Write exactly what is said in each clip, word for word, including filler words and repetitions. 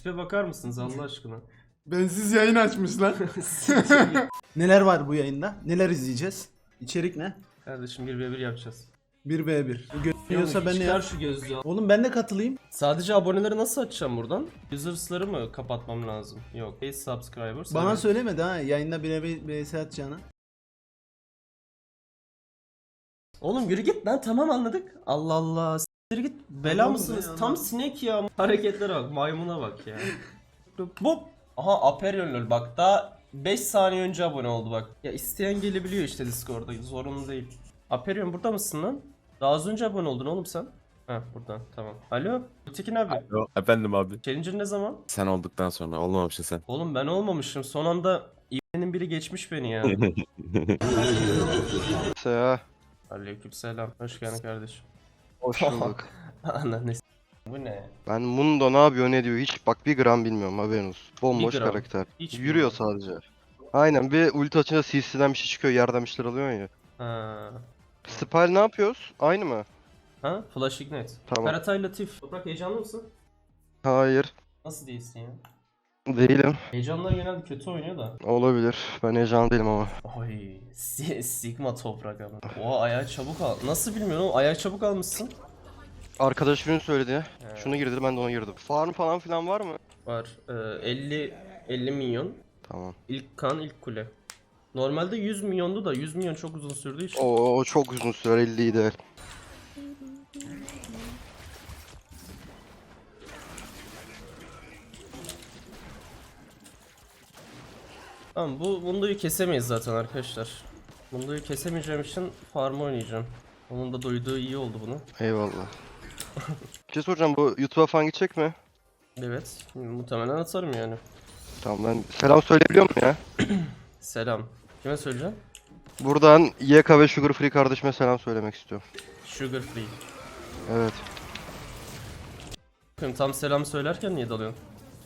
Tipe bakar mısınız Allah aşkına? Bensiz yayın açmış lan. Neler var bu yayında? Neler izleyeceğiz? İçerik ne? Kardeşim bir ve bir yapacağız. bir ve bir. Görüyorsa ben ne Çıkar yap? şu gözlüğü. Oğlum ben de katılayım. Sadece aboneleri nasıl açacağım buradan? Users'ları mı kapatmam lazım? Yok. Hey subscribers. Bana evet. söylemedi ha yayında bir ve bir atacağını. Oğlum yürü git lan, tamam anladık. Allah Allah. S**tir git. Bela Tamam mısınız? be, Tam anladım. sinek ya. Hareketlere bak. Maymuna bak ya. Bop. Aha Aperion lol. Bak daha beş saniye önce abone oldu bak. Ya isteyen gelebiliyor işte Discord'da. Zorunlu değil. Aperion burada mısın lan? Daha az önce abone oldun oğlum sen. Heh buradan tamam. Alo. Tekin abi. Alo, efendim abi. Challenger ne zaman? Sen olduktan sonra olmamışsın sen. Oğlum ben olmamışım. Son anda İB'nin biri geçmiş beni ya. Ya, Aleykümselam. Hoş geldin kardeşim. hoş bulduk. Ananı s- Bu ne? Ben Mundo ne yapıyor ne diyor hiç bak bir gram bilmiyorum haberin olsun. Bomboş Bir gram. karakter. Hiç Yürüyor sadece. Aynen bir ulti açınca C C'den bir şey çıkıyor yerden bir şeyler alıyorsun ya. Ha. Spell ne yapıyoruz? Aynı mı? Ha? Flash Ignite. Tamam. Karatay Latif. Toprak heyecanlı mısın? Hayır. Nasıl değilsin ya? Değilim. Heyecanlar genelde kötü oynuyor da. Olabilir. Ben heyecanlı değilim ama. Oy. Si- Sigma toprak ama. Oha ayağı çabuk al. Nasıl bilmiyorum oğlum, ayağı çabuk almışsın. Arkadaş ürün söyledi. He. Şunu gir dedi ben de ona girdim. Farm falan filan var mı? Var. Ee, elli elli milyon. Tamam. İlk kan ilk kule. Normalde yüz milyondu da yüz milyon çok uzun sürdüğü için. O, o çok uzun sürer elli ideal. Tamam bu Mundo'yu kesemeyiz zaten arkadaşlar. Mundo'yu kesemeyeceğim için farm oynayacağım. Onun da duyduğu iyi oldu bunu. Eyvallah. Bir şey soracağım bu YouTube'a falan gidecek mi? Evet. Muhtemelen atarım yani. Tamam ben selam söyleyebiliyor muyum ya? Selam. Kime söyleyeceğim? Buradan Y K ve Sugar Free kardeşime selam söylemek istiyorum. Sugar free. Evet. Bakın tam selam söylerken niye dalıyorsun?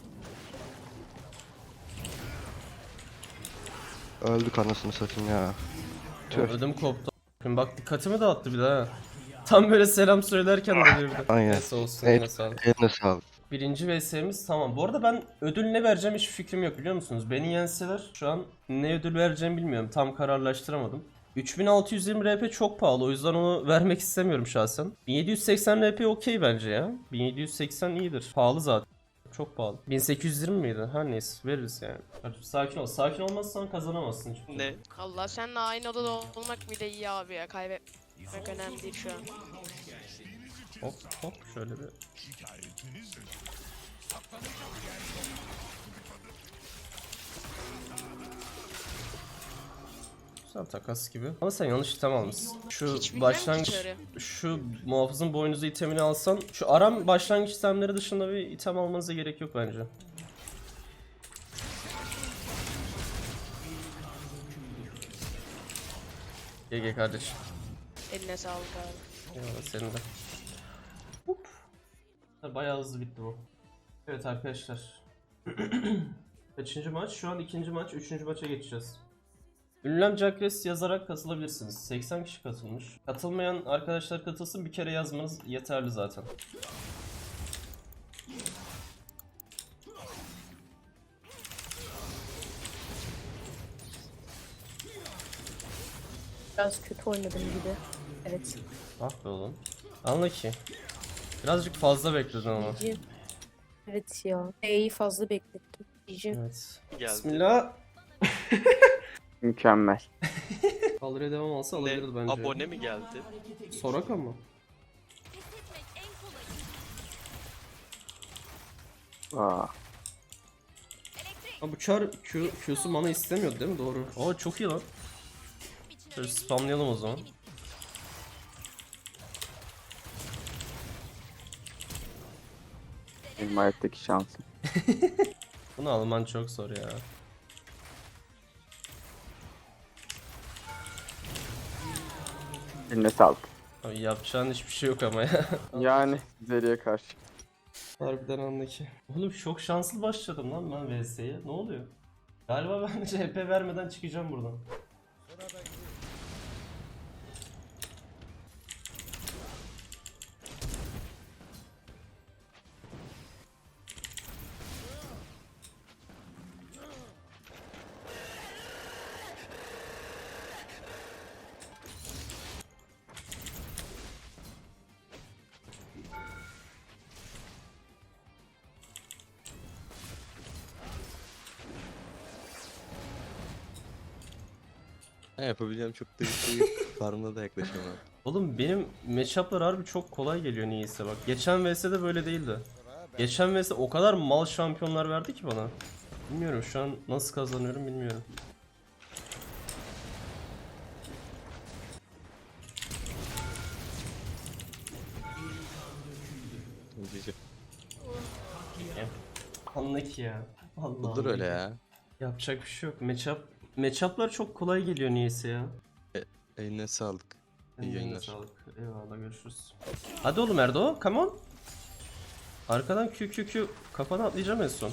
Öldük anasını satayım ya. Tüh. Ödüm koptu. Bakın bak dikkatimi dağıttı bir daha. Tam böyle selam söylerken dalıyor bir de. Aynen. Neyse olsun Evet. yine sağlık. Eline sağlık. Birinci V S'miz tamam. Bu arada ben ödül ne vereceğim hiç fikrim yok biliyor musunuz? Beni yenseler şu an ne ödül vereceğimi bilmiyorum. Tam kararlaştıramadım. üç bin altı yüz yirmi R P çok pahalı o yüzden onu vermek istemiyorum şahsen. bin yedi yüz seksen R P okey bence ya. bin yedi yüz seksen iyidir. Pahalı zaten. Çok pahalı. bin sekiz yüz yirmi miydi? Her neyse veririz yani. Kardeşim sakin ol. Sakin olmazsan kazanamazsın hiçbir şey. Ne? Allah seninle aynı odada olmak bile iyi abi ya. Kaybetmek önemli değil şu an. Hop hop şöyle bir. Güzel takas gibi. Ama sen yanlış item almışsın. Şu Hiç bilmem başlangıç, ki çarı. şu muhafızın boynuzu itemini alsan, şu aram başlangıç itemleri dışında bir item almanıza gerek yok bence. G G kardeşim. Eline sağlık abi. Eyvallah senin de. Hop. Bayağı hızlı bitti bu. Evet arkadaşlar. Kaçıncı maç? Şu an ikinci maç. Üçüncü maça geçeceğiz. Ünlem Jacques yazarak katılabilirsiniz. seksen kişi katılmış. Katılmayan arkadaşlar katılsın. Bir kere yazmanız yeterli zaten. Biraz kötü oynadım gibi. Evet. Ah be oğlum. Anla ki. Birazcık fazla bekledin ama. Cici. Evet ya. E'yi fazla beklettim. Cici. Evet. Bismillah. Mükemmel. Kaldırıya devam olsa Ne? alabilirdi bence. Abone mi geldi? Soraka mı? Aa, Ha bu çar Q, Q'su mana istemiyordu değil mi? Doğru. Aa çok iyi lan. Şöyle spamlayalım o zaman. benim hayattaki şansım. Bunu alman çok zor ya. Eline sağlık. Abi yapacağın hiçbir şey yok ama ya. Yani Zeri'ye karşı. Harbiden anla ki. Oğlum çok şanslı başladım lan ben V S'ye. Ne oluyor? Galiba ben C P vermeden çıkacağım buradan. Ne yapabileceğim çok da bir şey yok. Farmına da yaklaşamam. Oğlum benim matchup'lar harbi çok kolay geliyor niyeyse bak. Geçen V S'de böyle değildi. Geçen V S o kadar mal şampiyonlar verdi ki bana. Bilmiyorum şu an nasıl kazanıyorum bilmiyorum. Cici. Anla ki ya. Allah Olur öyle ya. Yapacak bir şey yok. Matchup matchup'lar çok kolay geliyor niyeyse ya. Eline sağlık. İyi Eline yayınlar. sağlık. Eyvallah görüşürüz. Hadi oğlum Erdo, come on. Arkadan Q Q Q kafana atlayacağım en son.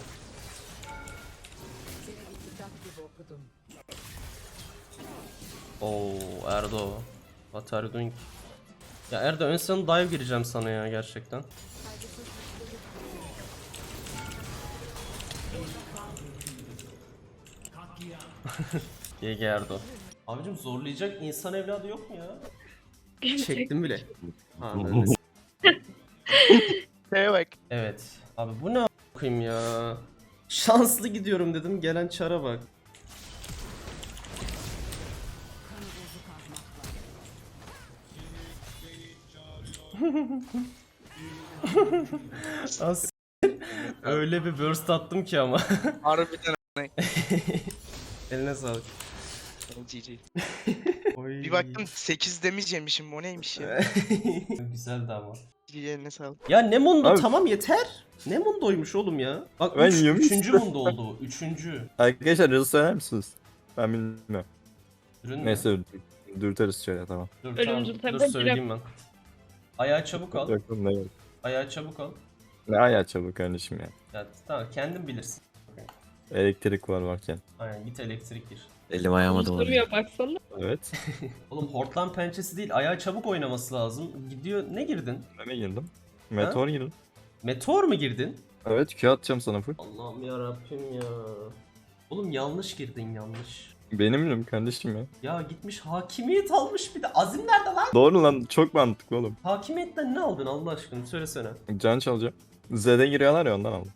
Oo Erdo. What are you doing? Ya Erdo ön sana dive gireceğim sana ya gerçekten. G G Erdo. Abicim zorlayacak insan evladı yok mu ya? Çektim bile. Anladın. Evet. Abi bu ne a**ayım ya? Şanslı gidiyorum dedim gelen çara bak. As öyle bir burst attım ki ama. Harbiden Eline sağlık. G G. Oy. Bir baktım sekiz damage yemişim, o neymiş ya. Güzeldi ama. G G eline sağlık. Ya ne mundo Abi- tamam yeter. Ne mundoymuş oğlum ya. Bak Ben üç, yemiş- üçüncü mundo oldu bu. Üçüncü. Arkadaşlar hızlı söyler misiniz? Ben bilmiyorum. Ürün mü? Neyse dürteriz şöyle tamam. Dur Ölümcül tamam. Dur tabii, söyleyeyim ben. Ayağı çabuk al. Yok oğlum, ne yok. Ayağı çabuk al. Ne ayağı çabuk kardeşim ya. Ya tamam kendin bilirsin. Elektrik var varken. Aynen git elektrik gir. Elim ayağıma Duruyor baksana. Evet. Oğlum hortlan pençesi değil ayağı çabuk oynaması lazım. Gidiyor ne girdin? Ben de girdim. Meteor girdim. Meteor mu girdin? Evet Q atacağım sana full. Allah'ım ya Rabbim ya. Oğlum yanlış girdin yanlış. Benim bilim kardeşim ya. Ya gitmiş hakimiyet almış bir de. Azim nerede lan? Doğru lan çok mantıklı oğlum. Hakimiyetten ne aldın Allah aşkına söylesene. Can çalacağım. Z'de giriyorlar ya ondan aldım.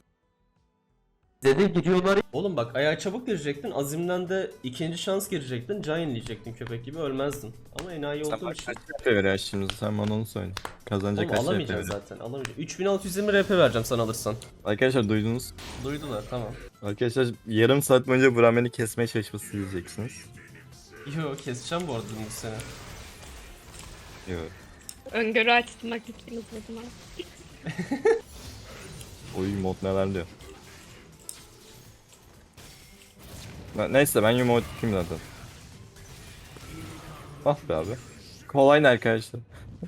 Oğlum bak ayağa çabuk girecektin. Azim'den de ikinci şans girecektin. Can yenileyecektin köpek gibi ölmezdin. Ama enayi Sen olduğun bana için. kaç R P veriyor şimdi sen bana onu söyle. Kazanacak Oğlum kaç R P alamayacaksın veriyor. zaten alamayacaksın. üç bin altı yüz yirmi R P vereceğim sana alırsan. Arkadaşlar duydunuz. Duydular tamam. Arkadaşlar yarım saat boyunca bu rameni kesmeye çalışması izleyeceksiniz. Yo keseceğim bu arada bu sene. Yok. Öngörü açtırmak için uzatma. Oyun mod neler diyor. Ne- Neyse ben yuma kim zaten. Ah be abi. Kolay ne arkadaşlar?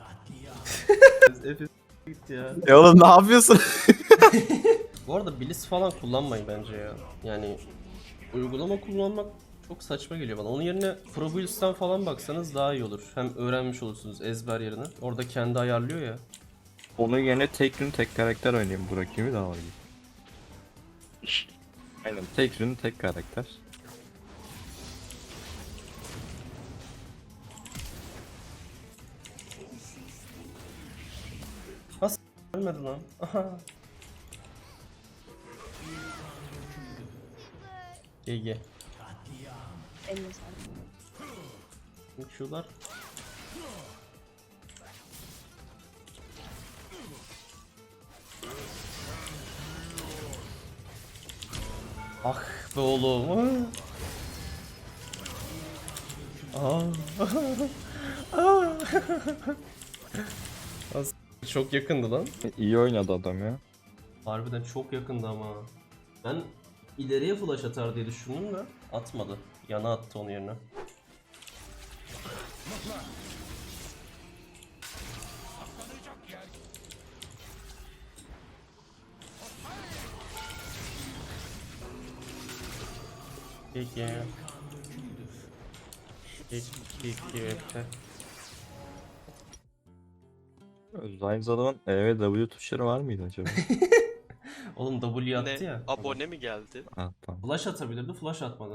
Efes gitti ya. Ya oğlum ne yapıyorsun? Bu arada Blitz falan kullanmayın bence ya. Yani uygulama kullanmak çok saçma geliyor bana. Onun yerine Pro Builds'ten falan baksanız daha iyi olur. Hem öğrenmiş olursunuz ezber yerine. Orada kendi ayarlıyor ya. Onun yerine tek gün tek karakter oynayayım bu rakibi daha iyi. Aynen tek gün tek karakter. Ölmedi lan. Aha. G G. Eline sağlık. Şular. Ah be oğlum. Ah. Ah. As- Çok yakındı lan. İyi oynadı adam ya. Harbiden çok yakındı ama. Ben ileriye flash atar diye düşündüm de atmadı. Yana attı onun yerine. Peki. Peki, peki. Aynı adamın E ve W tuşları var mıydı acaba? Oğlum W attı Ne? ya. Abone mi geldi? Ah tamam. Flash atabilirdi, flash atmadı.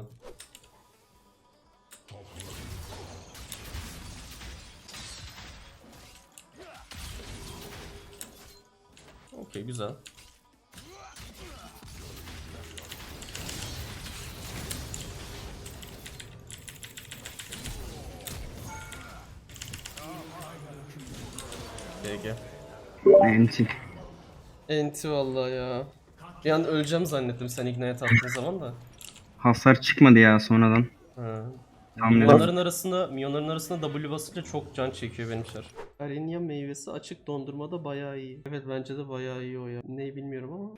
Okey, güzel. G G. Enti. Enti vallahi ya. Bir an öleceğim zannettim sen ignite attığın zaman da. Hasar çıkmadı ya sonradan. Ha. Tam Milyonların arasında, milyonların arasında W basınca çok can çekiyor benim şar. Arenya meyvesi açık dondurmada bayağı iyi. Evet bence de bayağı iyi o ya. Neyi bilmiyorum ama.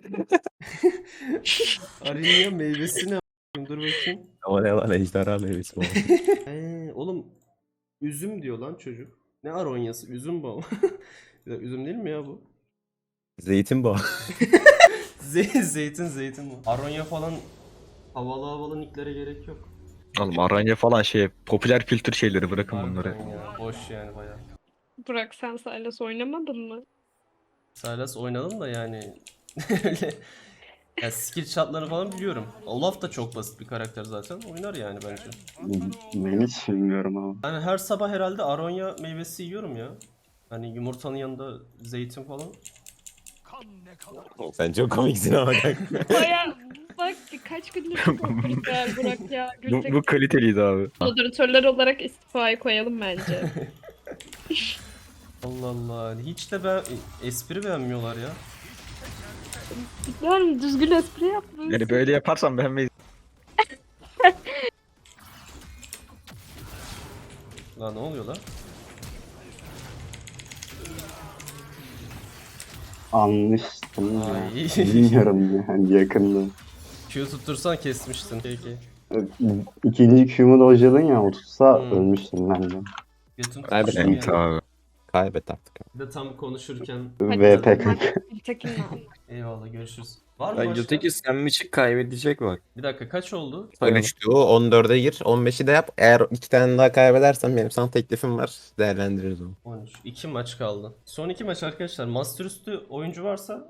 Arenya meyvesi ne a**ayım? Dur bakayım. O ne lan ejderha meyvesi bu. Ee, oğlum üzüm diyor lan çocuk. Ne aronyası? Üzüm bu. Ya, üzüm değil mi ya bu? Zeytin bu. Ze- zeytin zeytin bu. Aronya falan havalı havalı nicklere gerek yok. Oğlum Aranya falan şey popüler kültür şeyleri bırakın bunları. Harbiden ya, boş yani bayağı. Burak sen Sylas oynamadın mı? Sylas oynadım da yani öyle ya skill shot'larını falan biliyorum. Olaf da çok basit bir karakter zaten. Oynar yani bence. Ben hiç bilmiyorum ama. Yani her sabah herhalde aronya meyvesi yiyorum ya. Hani yumurtanın yanında zeytin falan. Sen çok komiksin ama. Baya bak kaç gündür çok güzel Burak ya. bu, bu kaliteliydi abi. Moderatörler olarak istifayı koyalım bence. Allah Allah. Hiç de ben espri beğenmiyorlar ya. Yani düzgün espri yapmıyorsun. Yani böyle yaparsan beğenmeyiz. Lan ne oluyor lan? Anmıştım ya. Ay. Bilmiyorum yani yakında. Q tuttursan kesmiştin. Peki. İkinci Q'mu dojladın ya o tutsa Hmm. ölmüştüm ben de. Götün Kaybet tutmuşsun yani. abi. Kaybet artık. Bir de tam konuşurken V P kanka. Tekin eyvallah görüşürüz. Var mı Ya başka? Gültekin sen mi çık kaybedecek bak. Bir dakika kaç oldu? on üçtü o on dörde gir on beşi de yap. Eğer iki tane daha kaybedersen benim sana teklifim var. Değerlendiririz onu. on üç. iki maç kaldı. Son iki maç arkadaşlar. Master üstü oyuncu varsa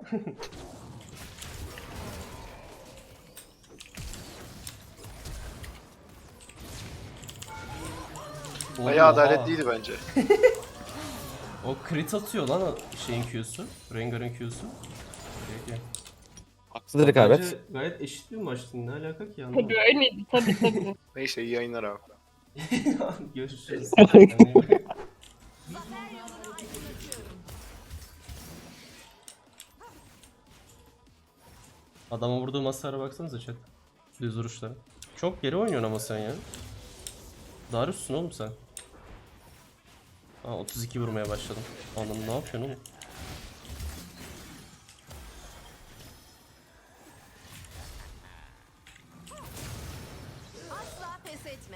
Bayağı Oha. adaletliydi bence. O crit atıyor lan o şeyin Q'su. Rengar'ın Q'su. Peki. Haksızlık kaybet. Bence gayet eşit bir maçtı. Ne alaka ki Tabii anlamadım. öyleydi tabii tabii. Neyse iyi yayınlar abi. Görüşürüz. Adama vurduğu masara baksanıza chat. Düz vuruşlara. Çok geri oynuyorsun ama sen ya. Darius'sun oğlum sen. Aa otuz iki vurmaya başladım. Anladım ne yapıyorsun oğlum? Asla pes etme.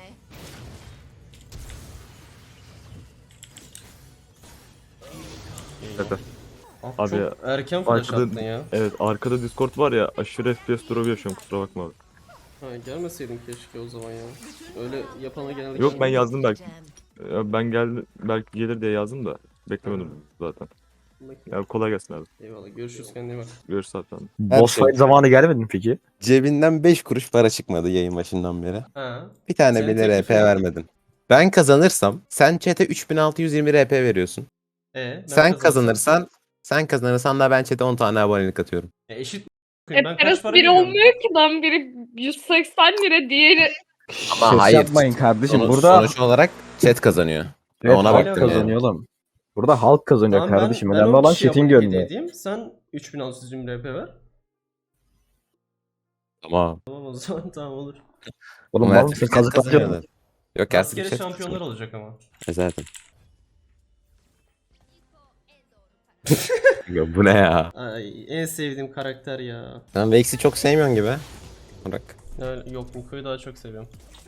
Hadi. Ah, Abi çok ya, erken flash arkada- attın ya. Evet arkada Discord var ya aşırı F P S drop'u yaşıyorum kusura bakma abi. Ha, gelmeseydin keşke o zaman ya. Öyle yapana genelde Yok ben gelmiyor. yazdım belki. Ya ben geldi belki gelir diye yazdım da beklemedim zaten. Bakayım. Ya kolay gelsin abi. Eyvallah görüşürüz kendine iyi bak. Görüşürüz zaten. Her Boss şey- fight zamanı gelmedi mi peki? Cebinden beş kuruş para çıkmadı yayın başından beri. Ha. Bir tane Senin bile R teklifin P ne? vermedin. Ben kazanırsam sen chat'e üç bin altı yüz yirmi R P veriyorsun. E, ben Sen kazanırsam- kazanırsan sen kazanırsan da ben chat'e on tane abonelik atıyorum. E, eşit. Hep Ben kaç parası para biri veriyorum? olmuyor ki lan biri yüz seksen lira diğeri. Ama hayır. yapmayın kardeşim. Sonuç, burada sonuç olarak chat kazanıyor. evet, ona halk baktım yani. kazanıyor oğlum. Burada halk kazanıyor Tamam, ben- kardeşim. ben Önemli on olan kişiye chat'in abonelik gönlü. edeyim, sen üç bin altı yüz yirmi R P ver. Tamam. Tamam o zaman tamam olur. Oğlum Ama mal her mısın? türlü chat Kazık atıyorsun. kazanıyorlar. Yok her türlü Rastgele chat şampiyonlar kazanıyor. olacak ama. E zaten. Ya bu ne ya? Ay en sevdiğim karakter ya. Sen Vex'i çok sevmiyorsun gibi. Bırak. Yani, yok Niko'yu daha çok seviyorum.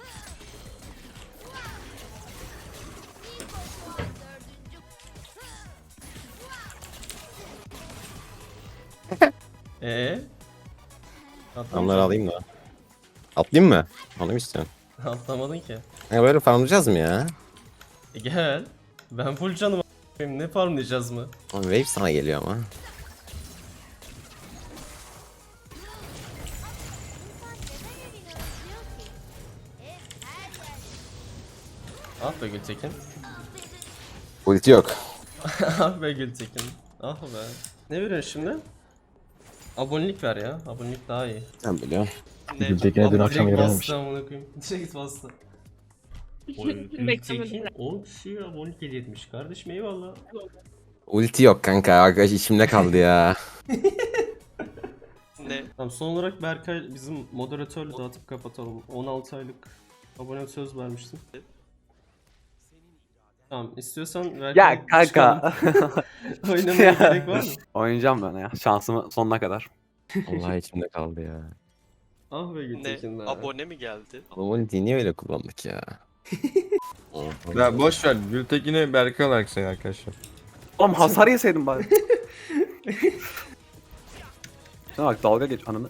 Eee? Onları alayım da. Atlayayım mı? Onu mu istiyorsun? Atlamadın ki. Ya böyle farmlayacağız mı ya? E gel. Ben full canım a**ayım. Ne farmlayacağız mı? Oğlum Wave sana geliyor ama. Ah be Gültekin. Ulti yok. Ah be Gültekin. Ah be. Ne veriyorsun şimdi? Abonelik ver ya. Abonelik daha iyi. Sen biliyorsun. Ne? Gültekin'e dün Ama akşam direkt verememiş. bastı amına koyayım. Direkt bastı. Oy, Gültekin Beklemedim. on kişiye abonelik hediye etmiş. Kardeşim eyvallah. Ulti yok kanka. Arkadaş içimde kaldı ya. Ne? Tamam, son olarak Berkay bizim moderatörle dağıtıp kapatalım. on altı aylık abone söz vermiştin. Tamam, istiyorsan Berkay Ya kanka. oynamaya gerek var mı? Oynayacağım ben ya. Şansımı sonuna kadar. Vallahi içimde kaldı ya. Ah be Gültekin be. Abone mi geldi? Oğlum ultiyi niye öyle kullandık ya? Ya boş ver. Gültekin'i Berkay olarak sayın arkadaşlar. Oğlum hasar yeseydim bari. Şuna bak dalga geç ananı.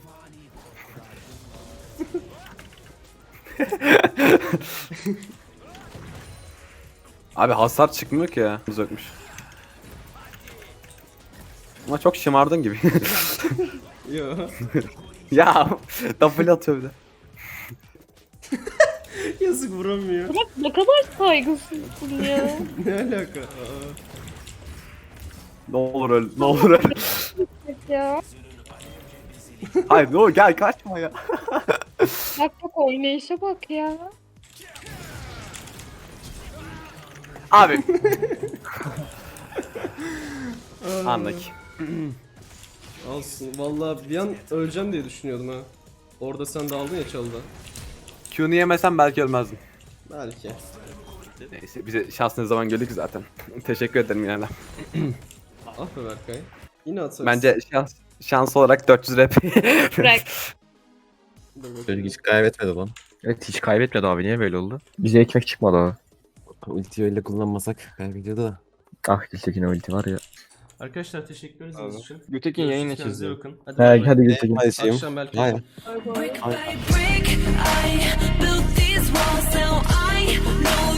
Abi hasar çıkmıyor ki ya. Zökmüş. Ama çok şımardın gibi. Yo. Ya double atıyor bir de. Yazık, vuramıyor. Bak ne kadar saygısızsın ya. Ne alaka? Aa. Ne olur öl, ne olur öl. ya. Hayır ne olur gel kaçma ya. Bak bak oynayışa bak ya. Abi. Anladık. Alsın. Vallahi bir an öleceğim diye düşünüyordum ha. Orada sen de aldın ya çalıda. Q'nu yemesem belki ölmezdim. Belki. Neyse bize şans ne zaman geldik zaten. Teşekkür ederim yine de. Ah be Berkay. Yine atarız. Bence şans şans olarak dört yüz rap. Bırak. Dur bakayım. Çocuk hiç kaybetmedi lan. Evet hiç kaybetmedi abi. Niye böyle oldu? Bize ekmek çıkmadı abi. Ultiyi öyle kullanmasak kaybediyordu da. Ah Gültekin'e ulti var ya. Arkadaşlar teşekkür ederiz için. Gültekin yayın Görüşürüz, kendinize açıldı. bakın. Hadi, He bay bay. hadi Gültekin. Hadi şeyim. Akşam belki. Aynen. Bay bay. Aynen.